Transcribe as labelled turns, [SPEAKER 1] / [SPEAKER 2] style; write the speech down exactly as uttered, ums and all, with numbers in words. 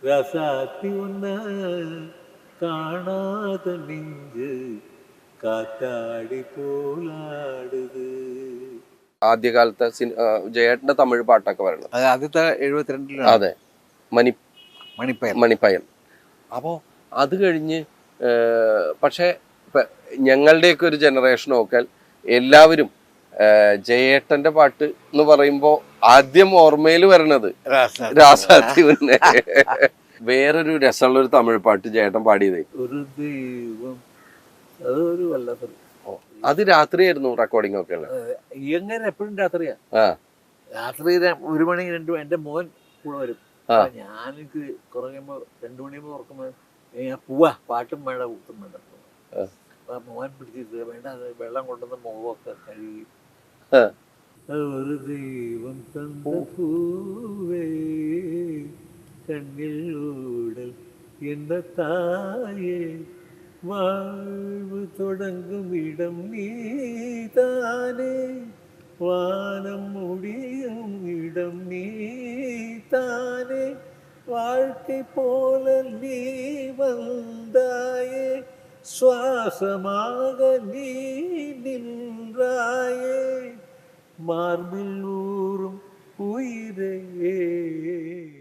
[SPEAKER 1] ரசாத்தி உன்ன കാണാത നെഞ്ച് കാറ്റാടി പോലാടുത്.
[SPEAKER 2] ആദ്യകാലത്തെ ജയേട്ടന്റെ തമിഴ് പാട്ടൊക്കെ വരണം.
[SPEAKER 3] അത് ആദ്യത്തെ എഴുപത്തിരണ്ടിലാണ്.
[SPEAKER 2] അതെ, മണി
[SPEAKER 3] മണിപ്പയൽ
[SPEAKER 2] മണിപ്പയൽ. അപ്പോൾ അത് കഴിഞ്ഞ് പക്ഷേ ഞങ്ങളുടെയൊക്കെ ഒരു ജനറേഷൻ നോക്കിയാൽ എല്ലാവരും ജയേട്ടന്റെ പാട്ട് എന്ന് പറയുമ്പോൾ ആദ്യം ഓർമ്മയിൽ വരണത് രാസാത്തി ഉന്നെ. വേറൊരു രസമുള്ള ഒരു തമിഴ് പാട്ട് ജയേട്ടൻ പാടിയതേ
[SPEAKER 1] ഒരു ദൈവം, അതൊരു വല്ലാത്തൊരു.
[SPEAKER 2] അത് രാത്രിയായിരുന്നു റെക്കോർഡിംഗ് ഒക്കെ ഉള്ളത്.
[SPEAKER 1] എങ്ങനെ എപ്പോഴും രാത്രിയാ.
[SPEAKER 2] ആ
[SPEAKER 1] രാത്രി ഒരു മണി രണ്ടു എൻ്റെ മോൻ കൂടെ വരും. ഞാൻ എനിക്ക് കുറയുമ്പോ രണ്ടു മണിയുമ്പോ ഉറക്കുമ്പോ ഞാൻ പോവാ, പാട്ടും വേണ്ട കൂട്ടും വേണ്ട. അപ്പൊ മോൻ പിടിച്ചിട്ട് വേണ്ട, അത് വെള്ളം കൊണ്ടുവന്ന് മുഖമൊക്കെ കഴുകി. ഒരു ദൈവം തന്ന പൂവേ കണ്ണിലൂടൽ എന്ന തായേ, வாழ்வு தொடங்கும் இடம் நீதானே, வானம் முடியும் இடம் நீதானே, வாழ்க்கை போல நீ வந்தாயே, சுவாசமாக நீ நின்றாயே, மார்பில் ஊறும் உயிரே.